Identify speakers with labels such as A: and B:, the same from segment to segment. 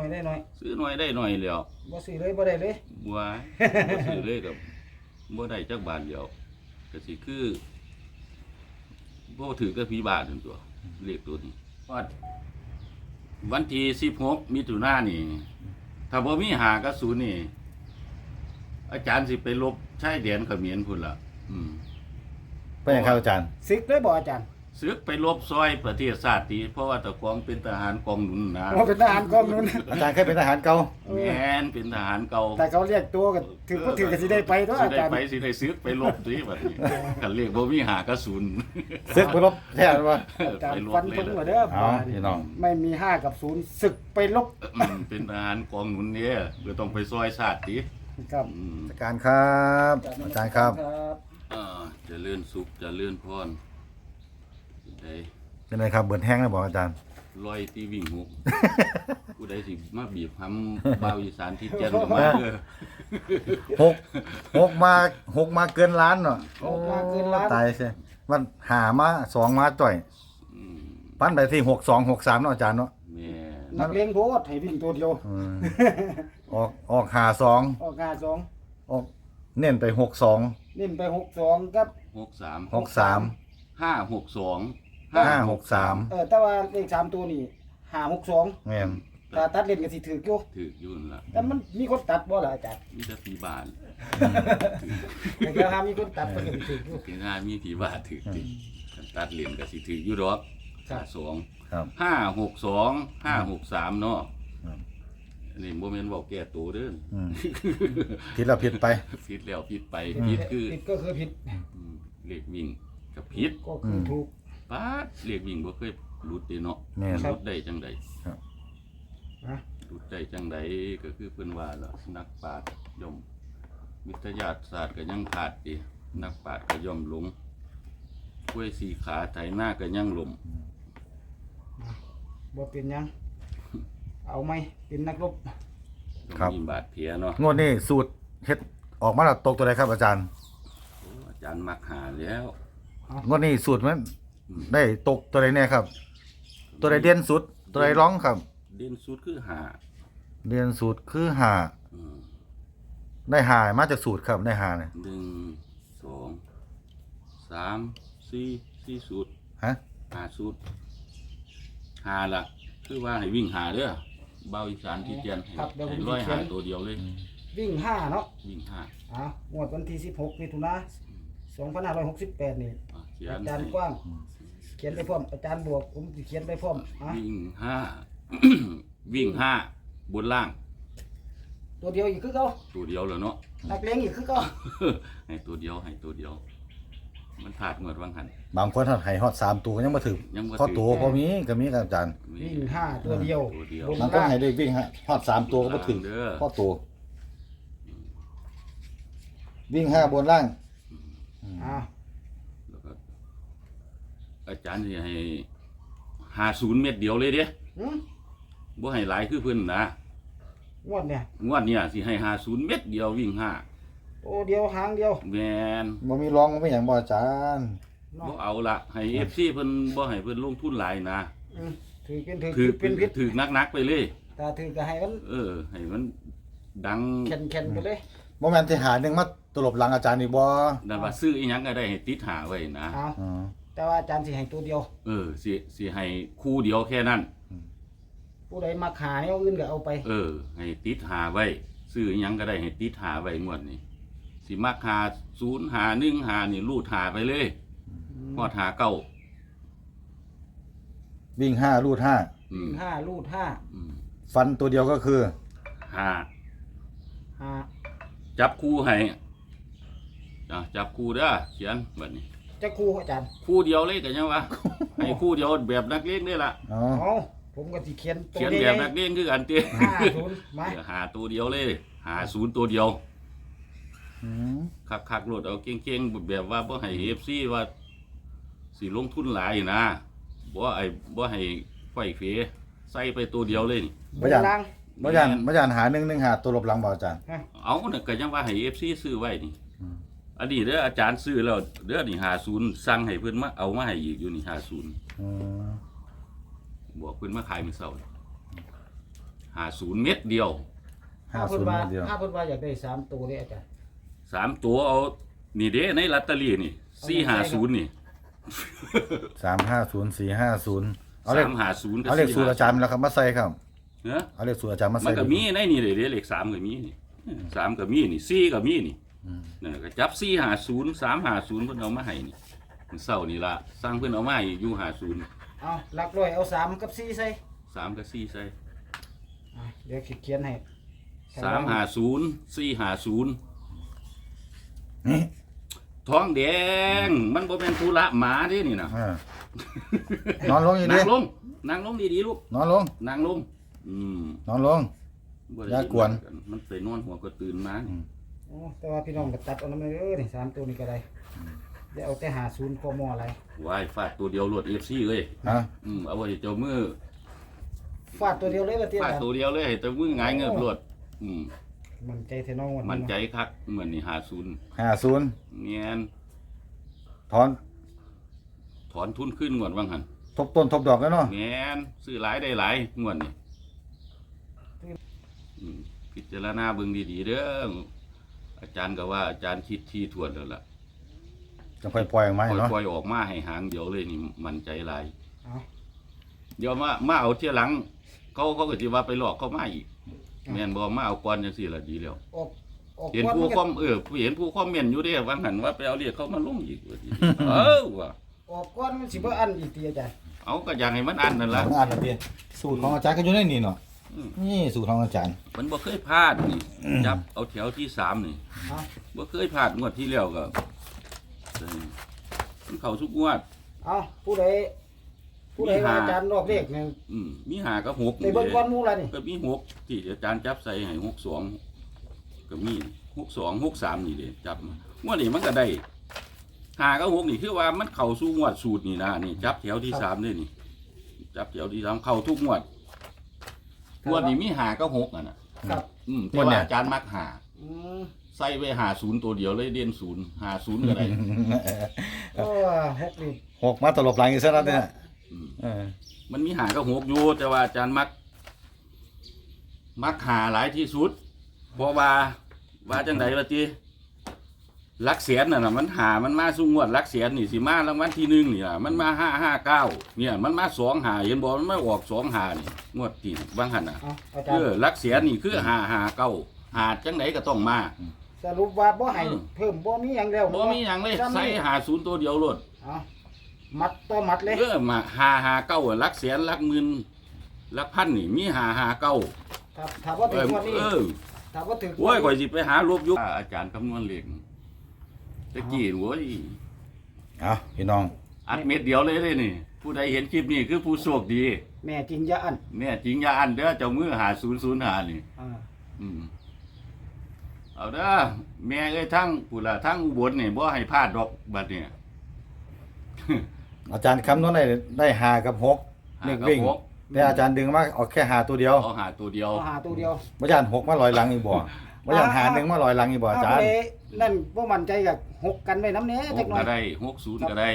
A: อยได้หน่อย
B: ซื้อหน่อยได้หน่อยแล้ว
A: บ่ซื้อเลยบ่ได้เลย
B: บ่ซื้อเลยกับบ่ได้จักบาทเดียวก็สิคือบ่ถือกับผีบาทนั่นตัวเลขตัวนี้วันที่16มิถุนายนนี่ถ้าบ่มี5กับ0นี่อาจารย์สิไปลบชายแดนเขมรพุ่นล่ะ
C: เป็นยังครับอาจารย์
A: ซึกเลยบ่อาจารย์
B: ซึกไปลบซอยประเทศชาติเพราะว่าตะกองเป็นทหารกองหนุนนะ
A: เป็นทหารกองนู้น
C: อาจารย์เคยเป็นทหารเก่า
B: แม่นเป็นทหารเก่า
A: แต่เขาเรียกตัวก็ถือบ่ถือก็สิได้ไปเนาะอาจารย์
B: สิได้ซึกไปลบสิบัดนี้คันเรียกบ่มี5กับ0
C: ซึกไปรบแท้ว่า
A: อาจารย์ฟันธงว่าเด้อ
C: พี่น้อง
A: ไม่มี5กับ0ศึกไปลบ
B: เป็นทหารกองหนุนเนี่ยก็ต้องไปซอยชาติติ
A: ครับ
C: อาจารย์ครับอาจารย์ครับ
B: เจริญสุขเจริญพร
C: เป็นไงครับเบิดแห้งแล้วบอกอาจารย์
B: ลอยที่วิ่งหกผู้ใดสิมาบีบห้ำบ่าวอีสานที่เจนมา
C: หกมาเกินล้านเนาะตายใช่มันหามา2มาจ่อยปั้นไปที่6263เนาะอาจารย์เนาะ
A: นักเลงโพดให้วิ่งตัวเดียว
C: ออก52
A: ออก52
C: ออกเน้นไป62
A: เน้นไป62กับ
B: 63 562
A: แต่ว่าเลข3ตัวนี่562
C: แม่น
A: ถ้าตัดเล่นก็สิถูก
B: อยู่นั่นล่ะ
A: แต่มันมีคนตัดบ่ล่ะอาจารย์
B: มีแต่ผีบาท
A: แต่ก็มีคนตัดก็สิถูกอยู่
B: ถึงมีผีบาทถูกจริงตัดเล่นก็สิถูกอยู่ดอก52
C: ครับ
B: 562 563เนาะนี่บ่แม่นเว้าแก้ตัวเด้อ
C: ผิดแล้วผิดไป
B: ผิดแล้วผิดไปผิดคือ
A: ผิดก็คือผิด
B: เลขวิ่งก็ผิด
A: ก็คือถูก
B: ป๊าดเลขวิ่งบ่เคยหลุดเด้เนาะหลุดได้จังได๋
C: ครับ
B: หลุดได้จังได๋ก็คือเพิ่นว่าล่ะนักปราชญ์ย่อมวิทยาศาสตร์ก็ยังขาดตินักปราชญ์ก็ย่อมหลงกล้วยสีขาไถนาก็ยังหลม
A: บ่เป็นหยังเอาไหมเป็นนักรบ
B: ครับมีบาดแผลเนาะ
C: งวดนี้สูตรเฮ็ดออกมาแล้วตกตัวใดครับอาจารย์
B: อาจารย์มักหาแล้ว
C: งวดนี้สูตรมันได้ตกตัวใดแน่ครับตัวใดเด่นสุดตัวใดร้องครับ
B: เด่นสุดคือหา
C: เด่นสุดคือหาได้หามาจากสูตรครับได้หาเนี่ย
B: 1 2 3 4สูตร
C: ฮะ
B: 5สูตรหาละคือว่าให้วิ่งหาเด้อเบาอีสานที่เตียนให้ร้อยหาตัวเดียวเลย
A: วิ่ง5เนาะ
B: วิ่ง
A: 5งวดวันที่16มิถุนายน2568นี่อาจารย์กว้างเขียนไปพร้อมอาจารย์บวกผมสิเขียนไปพร้อม
B: วิ่งวิ่ง5บนล่าง
A: ตัวเดียวอีกคือเก่า
B: ตัวเดียวแล้วเนาะ
A: นักเลงอีกคือเก่า
B: ให้ตัวเดียวมันขาดงวดวางหัน
C: บางคนให้ฮอด3ตัวยังบ่ถึงพอตัวพอมีก็มีครับอาจารย์
A: วิ่ง5ตัวเดียว
C: บางคนให้ได้วิ่งฮอด3ตัวก็บ่ถึงพอตัววิ่ง5บนล่าง
B: แล้วก็อาจารย์สิให้50เม็ดเดียวเลยเด้บ่ให้หลายคือเพิ่นนะ
A: งวด
B: เนี่ยสิให้50เม็ดเดียววิ่ง5
A: โอ้เดียวหางเดียว
B: แม่น
C: บ่มีรองบ่มีหยังบ่อาจารย์
B: บ่เอาละให้ FC เพิ่นบ่ให้เพิ่นลงทุนหลายนะ
A: ถือเป็นพิษ
B: ถือนักๆไปเลย
A: ถ้าถือก็ให้มัน
B: ให้มันดัง
A: แข็งๆไปเลย
C: บ่แม่นสิหานึงมาตลบหลังอาจารย์นี่บ่
B: นั่นว่าซื้ออีหยังก็ได้ให้ติดหาไว้นะ
A: แต่ว่าอาจารย์สิให้ตัวเดียว
B: สิให้คู่เดียวแค่นั้น
A: ผู้ใดมาขายเอาอื่นก็เอาไป
B: ให้ติดหาไว้ซื้ออีหยังก็ได้ให้ติดหาไว้งวดนี้สิมักหา0หา1หานี่รูดหาไปเลยฮอดหา9
C: วิ่ง5รูด5
A: วิ่ง5รูด5
C: ฟันตัวเดียวก็คือ
B: 5จับคู่ให้จับคู่เด้อเขียนบัดนี้
A: จับคู่อาจารย์
B: คู่เดียวเลยก็ยังว่าให้คู่เดียวแบบนักเลงนี่ล่ะ
A: ผมก็สิเขียน
B: แบบนักเลงคือกันติ
A: 50มา
B: หาตัวเดียวเลย50ตัวเดียวคักๆโลดเอาเก่งๆแบบว่าบ่ให้ FC ว่าสิลงทุนหลายนะบ่ให้ไฟเฟใส่ไปตัวเดียวเลยนี่
C: บ่ย่านหา1หาตัวลบหลังบ่อาจารย์
B: เอาน่ะก็ยังว่าให้ FC ซื้อไว้นี่อันนี้เด้ออาจารย์ซื้อแล้วเด้อนี่50สั่งให้เพิ่นมาเอามาให้อีกอยู่นี่50บอกเพิ่นมาขายมื้อเช้า 50เม็ดเดียว
C: 50เม็ดเดียว
A: ถ้าเพิ่นว่าอยากได้3ตัวเด้อาจารย์
B: 3ตัวเอานี่เด้ในลอตเตอรี่นี่450นี่
C: 350 450เอาเลข
B: 350กับ
C: เอาเลขสูตรอาจารย์แล้วครับมาใส่ครับ
B: เนาะ
C: เอาเลขสูตรอาจารย์มา
B: มั
C: ใส่
B: นก็มีในนี่เลยเลข3ก็มีนี่3ก็มีนี่4ก็มีนี่นั่นก็จับ450 350เพิ่นเอามาให้นี่มื้อเช้านี่ล่ะสร้างเพิ่นเอามาให้อยู่50
A: เอาหลักร้อยเอา3กับ4ใส่
B: 3กับ4ใส่
A: เดี๋ยวเขียนให้
B: 350 450
C: นี่
B: ท้องแดงมันบ่เป็นธุระหมาเด้นี่นะ
C: นอนลงอยู่ดิ
B: นั่งลงนั่งลงดีๆลูก
C: นอนลง
B: นั่งลงม
C: นอนลง
B: บ่ได้
C: อย่ากวน
B: มันไปนอนหัวก็ตื่นมานี่
A: โอ้แต่ว่าพี่น้องก็ตัดเอานำเด้อนี่3ตัวนี้ก็ได้เดี๋ยวเอาแต่50กมอะไร
B: วายฟาดตัวเดียวรวด FC เอ้ย
C: ฮะ
B: เอาไว้เจ้ามือ
A: ฟาดตัวเดียวเลยว่าเตี้ย
B: ฟาด
A: อาจาร
B: ตัว
A: ย์
B: เดียวเลยให้เจ้ามือหงายเงือบรวด
A: มันใจแท้น้องวัน
B: มันใจ
A: เนาะ
B: คักเหมือนนี่50
C: 50
B: เนียน
C: ถอน
B: ถอนทุนขึ้นงวดว่างั้น
C: ทบต้นทบดอกแล้วเนาะ
B: เนียนซื้อหลายได้หลายงวดนี่พิจารณาเบิ่งดีๆเด้ออาจารย์ก็ว่าอาจารย์คิดที่ทวนแล้วล่ะ
C: จะค่อยปล่อยออกมาให้เนาะ
B: ปล่อยออกมาให้หางเดียวเลยนี่มันใจหลาย
A: เอา
B: เดี๋ยวมาเอาเที่ยหลังเขาก็สิว่าไปหลอกเขามาอีกแม่นบ่มาเอาก่อนจังซี่ล่ะดีแล้ว
A: ออก
B: เห็น
A: ก่อน
B: ผู้
A: มัน
B: ค
A: ก็
B: อมเห็นผู้คอมเมนต์อยู่เด้ว่าหั่นว่าไปเอาเรียกเขามาลงอีกว่าสิว่ะ
A: ออกก่อนมันสิบ่อันอีกติอาจารย์
B: เอาก็อยากให้มันอันนั่นล่ะ
C: อ่านนะพี่สูตรของอาจารย์ก็อยู่ในนี่เนาะ
B: อืม
C: นี่สูตรของอาจารย์
B: มันบ่เคยพลาดนี่จับเอาแถวที่3นี่
A: เอา
B: บ่เคยพลาดงวดที่แล้วก็มันเข้าทุกงวด
A: เอาผู้ใดว่าอาจารย์รอบเลขเนี่ย
B: มี5กับ6
A: ไปเบิ่งก่อนหมู่ล่ะนี่
B: ก็มี6ที่อาจารย์จับใส่ให้62ก็มี62 63นี่เด้จับมางวดนี้มันก็ได้5กับ6นี่คือว่ามันเข้าสู่งวดสูตรนี่นะนี่จับแถวที่3นี่นี่จับแถวที่3เข้าทุกงวดงวดนี้มี5กับ6อ่ะนะครับ แต่ว่าอาจารย์มัก5
A: อืม
B: ใส่ไว้50ตัวเดียวเลยเด่น0 50ก็ได้
A: โอ้6นี่
C: 6มาตลบหลังอีกซะแล้วเนี่ย
B: อืม
C: เออ
B: มันมี5กับ6อยู่แต่ว่าอาจารย์มัก5หลายที่สุดเพราะว่าจังได๋ล่ะติหลักแสนน่ะมันมันมาสู่งวดหลักแสนนี่สิมารางวัลที่1นี่ล่ะมันมา559เนี่ยมันมา25เห็นบ่มันมาออก25นี่งวดที่บางหั่นน่ะ
A: เอาอาจารย์
B: หลักแสนนี่คือ559หาจังไดก็ต้องมา
A: สรุปว่าบ่ให้เพิ่มบ่มีหยังแล้ว
B: บ่มีหยังเลยใส่50ตัวเดียวโลด
A: เอามัดต่อมัดเลย
B: มา559หลักแสนหลักหมื่นหลักพันนี่มี559
A: ถ้าบ่ถึงวันนี้ถ้าบ่ถึง
B: โอ้ยข่อยสิไปหาลบยุคอาจารย์คำนวณเลขตะกี้โว้ย
C: เอาพี่น้อง
B: อัดเม็ดเดียวเลยนี่ ผู้ใดเห็นคลิปนี้คือผู้โชคดี
A: แม่จริงอย่าอัน
B: แม่จริงอย่าอันเด้อเจ้ามือ5005นี่
A: อ่า
B: อืมเอาเด้อแม่เอ้ยทั้งผู้ละทั้งอุบลนี่บ่ให้พลาดดอกบัดเนี่ย
C: อาจารย์คำนวณได้5กับ6เลขวิ่ง
B: หากับหก
C: แต่อาจารย์ดึงมาเอาแค่5ตัวเดียว
B: เอาหาตัวเดียว
A: เอาหาตัวเดียว
C: บ่อาจารย์6มาลอยหลังอีกบ่บ่อาจารย์หา1มาลอยหลังอีกบ่อาจารย์
A: เนั่นบ่มั่นใจกับ6กันไว้นำแหน่จักหน่อ
B: ก็
A: ย
B: ได้60ก็ได้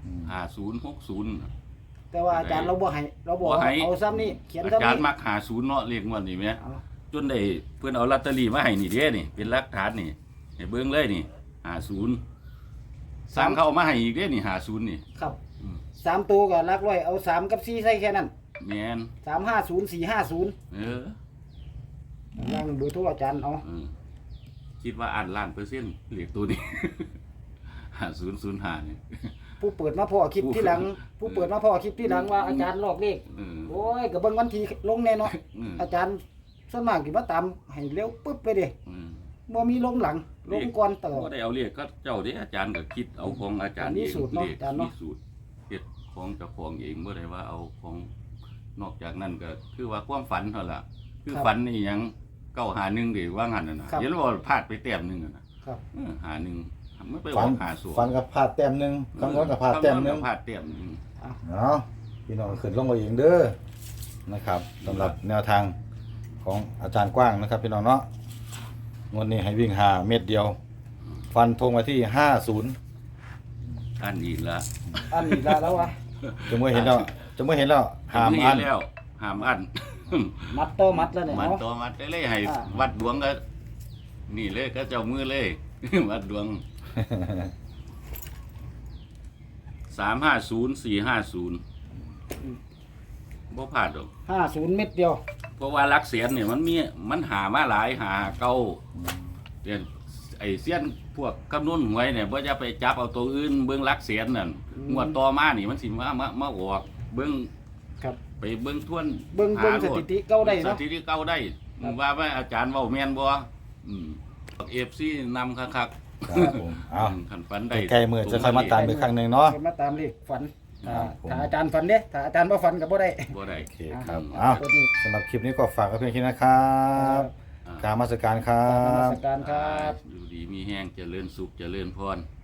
B: 5060
A: แต่ว่าอาจารย์เราบ่ให้เราบอก
B: บ่ให้
A: เอาซ้ำนี่เขียน
B: อา
A: ซ้ำ
B: จารย์
A: นี่
B: มัก50เนาะเลขงวดนี้แหม
A: เอา
B: จนได้เพิ่นเอาลอตเตอรี่มาให้นี่เด้นี่เป็นหลักฐานนี่ให้เบิ่งเลยนี่50สร้างเขาเอามาให้อีกเด้นี่50นี่
A: ครับ
B: อืม
A: 3ตัวก็หลักร้อยเอา3กับ4ใส่แค่นั้น
B: แม่น
A: 350 450
B: เออ
A: ยังเบอร์โทรอาจารย์เอา
B: เออคิดว่าอ่านล้านเปอร์เซ็นต์เลขตัวนี้ 5005นี่
A: ผู้เปิดมาพ่อคลิปที่หลัง ผู้เปิดมาพ่อคลิปที่หลังว่าอาจารย์ลอกเลข
B: เออ
A: โอ้ยก็เบิ่งวันที่ลงแน่เนาะ
B: อืม
A: อาจารย์ส่วนมากสิมาตามให้เร็วปึ๊บไปเด้
B: อืม
A: บ่มีลงหลังลงก่อนตลอด
B: บ่ได้เอาเลขก็เจ้าเด้อาจารย์ก็คิดเอาของอาจารย์
A: มี
B: เอง
A: สูตรเนาะ
B: เลข
A: อาจารย์เนาะ
B: มีสูตรเฮ็ดของเจ้าของเองบ่ได้ว่าเอาของนอกจากนั้นก็คือว่าความฝันเท่าล่ะคือฝันนี่หยัง951ดิว่างั้นน่ะนะเห็นว่าพลาดไปแต้มหนึงน่ะนะครับ หาหนึ่งมันไปอ
C: ฝั
B: อน กหาสูตร
C: ฝันกับพลาดแต้มหนึงคำนวณกับพลาดแต้มหนึง
B: พลาดแต้มหนึง
C: เอาพี่น้องขึ้นลงเอาเองเด้อนะครับสำหรับแนวทางของอาจารย์กว้างนะครับพี่น้องเนาะงวดนี้ให้วิ่ง5เม็ดเดียว ฟันธงมาที่50
B: อันอีกละ
A: อันนี้ละแล้ววะ
C: จะเมื่อเห็นแล้วห้าม
B: เห็
C: อั
B: น
C: น
B: แล้วห้ามอัน
A: มัดต่อมัดแล้วเนี่ย
B: มัน
A: เนาะ
B: ตัวมัดเลยให้
A: อ่า
B: วัดดวงก็นี่เลยก็เจ้ามือเลย วัดดวง 350 450บ่พลาดหรอก
A: 50 เม็ดเดียว
B: เพราะว่าหลักเสียนเนี่ยมันหามาหลายหาเก่าเรียนไอ้เสียนพวกคำนวณหวยเนี่ยบ่จะไปจับเอาตัวอื่นเบิ่งหลักเสียนนั่นงวดต่อมานี่มันสิมาออกเบิ่ง
A: ครับ
B: ไปเบิ่งทวน
A: เบิ่ง
B: หาโล
A: สถิติเก่าได้เนาะ
B: สถิติเก่าได้
A: ครับ
B: ว่าอาจารย์เว้าแม่นบ่FC นำคัก
C: ครับผมเอา
B: คันฝันได้
C: ใกล้ๆมือจะค่อยมาตามอีกครั้งหนึงเนาะ
A: เพิ่นมาตามเลขฝัน
C: ครับผม
A: ถ้าอาจารย์ฝันเด้ถ้าอาจารย์บ่ฝันก็บ่ได้
B: บ่ได้
C: โอเคครับ
B: อืม
C: เอา
A: ตัวนี้
C: สำหรับคลิปนี้ก็ฝากไว้เพียงแค่นี้นะครับ
B: อ่า
C: กรารมาสการครั
A: นมั
C: บ
A: สการครับ
B: อยู่ดีมีแห้งเจริญสุขเจริญพร